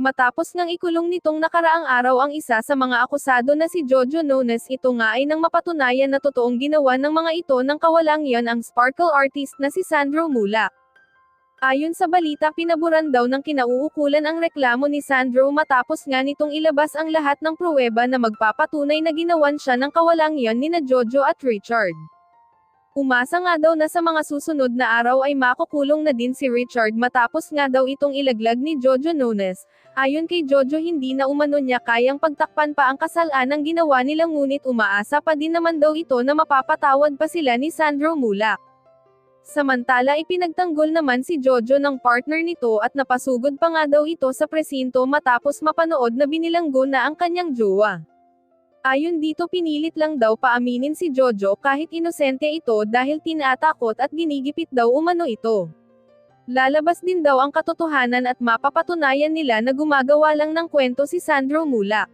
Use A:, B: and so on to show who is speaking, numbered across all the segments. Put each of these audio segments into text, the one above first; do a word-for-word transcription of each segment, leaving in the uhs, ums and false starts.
A: Matapos ngang ikulong nitong nakaraang araw ang isa sa mga akusado na si Jojo Nones, ito nga ay nang mapatunayan na totoong ginawa ng mga ito ng kawalang yan ang sparkle artist na si Sandro Mulak. Ayon sa balita, pinaburan daw ng kinauukulan ang reklamo ni Sandro matapos nga nitong ilabas ang lahat ng pruweba na magpapatunay na ginawan siya ng kawalang yan nina Jojo at Richard. Umasa nga daw na sa mga susunod na araw ay makukulong na din si Richard matapos nga daw itong ilaglag ni Jojo Nones. Ayon kay Jojo, hindi na umano niya kayang pagtakpan pa ang kasalanang ginawa nila, ngunit umaasa pa din naman daw ito na mapapatawad pa sila ni Sandro Mulak. Samantala, ipinagtanggol naman si Jojo ng partner nito at napasugod pa nga daw ito sa presinto matapos mapanood na binilanggo na ang kanyang jowa. Ayon dito, pinilit lang daw paaminin si Jojo kahit inosente ito dahil tinatakot at ginigipit daw umano ito. Lalabas din daw ang katotohanan at mapapatunayan nila na gumagawa lang ng kwento si Sandro Mulak.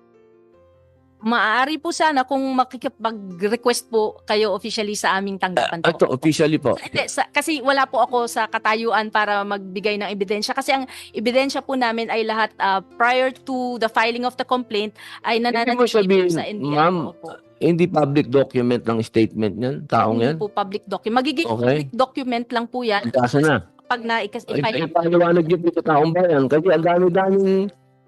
B: Maaari po sana kung makikipag-request po kayo officially sa aming tanggapan po.
C: Ito, officially po.
B: Hindi, sa- kasi wala po ako sa katayuan para magbigay ng ebidensya. Kasi ang ebidensya po namin ay lahat ah, prior to the filing of the complaint ay
C: Hindi mo
B: nananatili po
C: sabihin,
B: sa N B I.
C: ma'am,
B: po.
C: hindi public document ng statement niyan, taong
B: Hindi
C: yan?
B: po public document. Magiging
C: Okay.
B: public document lang po yan
C: Kaso na.
B: pag na-file.
C: Ay, ay, paliwanag niyo po sa taong bayan kasi ang dami-daming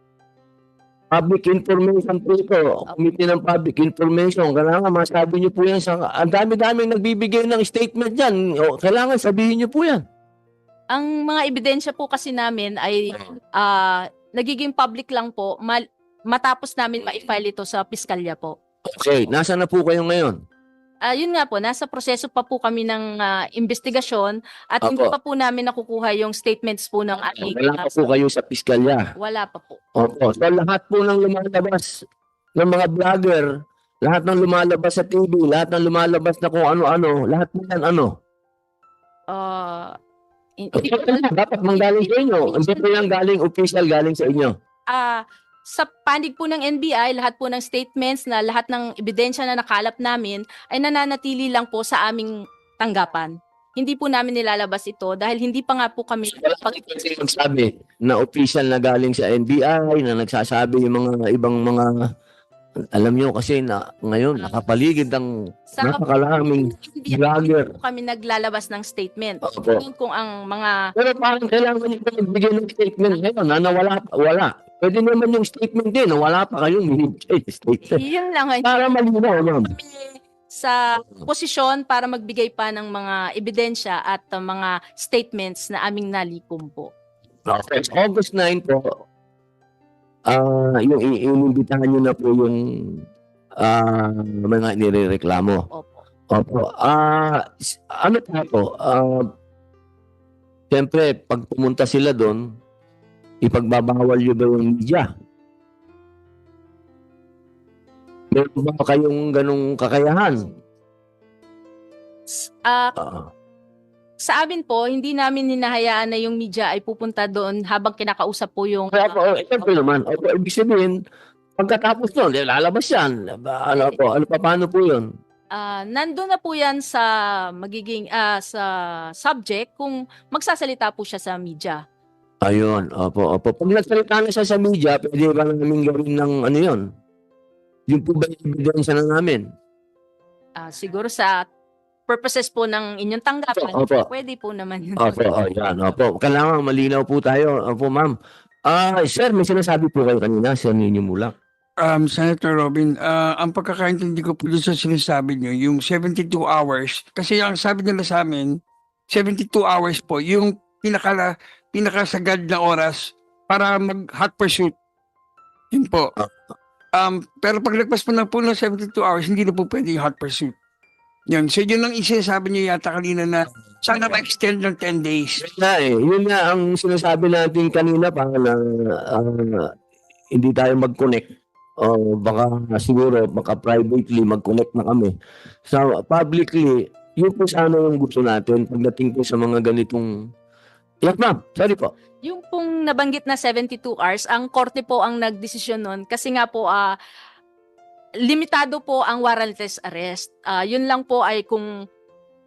C: public information po ito. Committee ng public information. Kailangan masabi niyo po yan sa... Ang dami-daming nagbibigay ng statement yan. O, kailangan sabihin niyo po yan.
B: Ang mga ebidensya po kasi namin ay ah, nagiging public lang po mal- matapos namin ma-file ito sa piskalya po.
C: Okay, nasa na po kayo ngayon?
B: Ah, yun nga po, nasa proseso pa po kami ng ah, investigasyon at
C: Opo.
B: hindi pa po namin nakukuha yung statements po ng aming
C: Wala pa po kayo sa piskalya.
B: wala pa po.
C: Opo. So lahat po ng lumalabas ng mga vlogger, lahat ng lumalabas sa T V, lahat ng lumalabas na kung ano-ano, lahat po yan ano?
B: Ah, hindi ko alam.
C: Dapat manggaling sa inyo. Hindi po yan galing official, galing sa inyo.
B: Ah, sa panig po ng N B I, lahat po ng statements na lahat ng ebidensya na nakalap namin ay nananatili lang po sa aming tanggapan. Hindi po namin nilalabas ito dahil hindi pa nga po kami
C: Wala pang kasi magsabi na official na galing sa N B I, na nagsasabi yung mga ibang mga, alam nyo kasi na ngayon nakapaligid ang
B: sa
C: napakalaming
B: N B I,
C: vlogger.
B: po kami naglalabas ng statement.
C: Opo.
B: Ngayon kung ang mga
C: Pero parang kailangan nyo pa magbigay ng statement ngayon na nawala pa, wala. Pwede naman yung statement din na wala pa kayong binibigay na statement.
B: yun lang ay
C: Para malinaw, ma'am.
B: kami sa posisyon para magbigay pa ng mga ebidensya at uh, mga statements na aming nalikom po.
C: Okay. August nine po, ah yung i- inimbitahan nyo na po yung ah mga nirereklamo.
B: Opo.
C: Opo. Ah, s- ano pa po? Ah, siyempre, pag pumunta sila doon, ipagbabawal nyo ba yung media? Meron ba kayong ganong kakayahan?
B: Ah,
C: Ah,
B: sa amin po, hindi namin hinahayaan na yung media ay pupunta doon habang kinakausap po yung
C: kaya po, eh, siyempre naman, opo, ibig sabihin, pagkatapos nun, eh, lalabas yan. Ba- Ano po, ano pa, paano po yun?
B: Ah, nandun na po yan sa magiging ah, sa subject kung magsasalita po siya sa media.
C: Ayun, opo, opo. Pag nagsalita na siya sa media, pwede ba namin gawin ng ano yun? Yung po ba yung ebidensya na namin?
B: Ah, siguro sa purposes po ng inyong tanggapan,
C: Opo.
B: pwede po naman yun.
C: Opo, oh, yan, opo. Kailangan malinaw po tayo. Opo, ma'am. Ah, sir, may sinasabi po kayo kanina, Sir Nino Mulak.
D: Um, Senator Robin, ah, ang pagkakaintindi ko po doon sa sinasabi niyo, yung seventy-two hours, kasi ang sabi nila sa amin, seventy-two hours po, yung pinaka, pinakasagad na oras para mag-hot pursuit. Yun po. Um, pero pag nagpas po na po ng seventy-two hours, hindi na po pwede yung hot pursuit. Yun. So yun ang isa sabi niyo yata kanina na sana ma-extend ng ten days.
C: Yun nga eh, yun nga ang sinasabi natin kanina pa na ah, hindi tayo mag-connect. O baka siguro, baka privately mag-connect na kami. So, publicly, yun po sana yung gusto natin pagdating po sa mga ganitong... Yes, ma'am. Sorry po.
B: Yung pong nabanggit na seventy-two hours, ang korte po ang nagdesisyon nun kasi nga po ah, limitado po ang warrantless arrest. Ah, yun lang po ay kung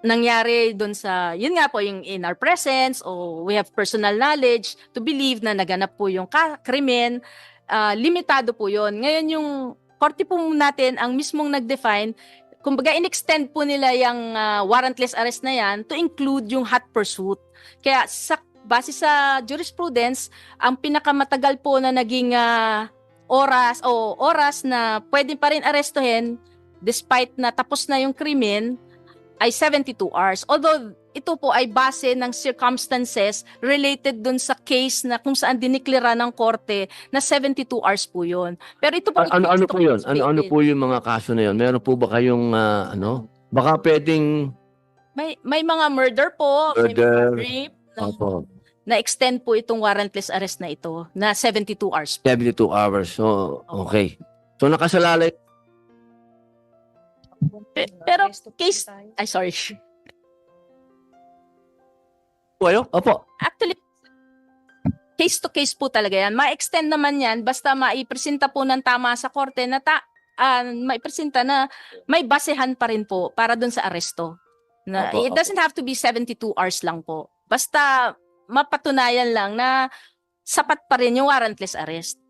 B: nangyari doon sa, yun nga po, yung in our presence o we have personal knowledge to believe na naganap po yung ka- krimen, ah, limitado po yun. Ngayon yung korte po natin ang mismong nag-define, kumbaga in-extend po nila yung ah, warrantless arrest na yan to include yung hot pursuit. Kaya sa base sa jurisprudence, ang pinakamatagal po na naging ah, oras o oras na pwede pa rin arestuhin despite na tapos na yung krimen ay seventy-two hours. Although ito po ay base ng circumstances related dun sa case na kung saan diniklara ng korte na seventy-two hours po yun. Pero ito po
C: A- ano ano po 'yun? Ano ano po yung mga kaso na 'yun? Meron po ba kayong ah, ano? Baka pwedeng
B: May may mga murder po, may
C: Murder.
B: mga rape na,
C: opo,
B: na extend po itong warrantless arrest na ito na seventy-two hours.
C: seventy-two hours. So, okay. So nakasalalay
B: Pe- Pero case ay sorry.
C: po kayo? Opo.
B: Actually, case to case po talaga yan. Ma-extend naman yan basta maipresenta po ng tama sa korte na ta ah, maipresenta na may basehan pa rin po para dun sa aresto. Na,
C: Opo,
B: it doesn't have to be seventy-two hours lang po. Basta mapatunayan lang na sapat pa rin yung warrantless arrest.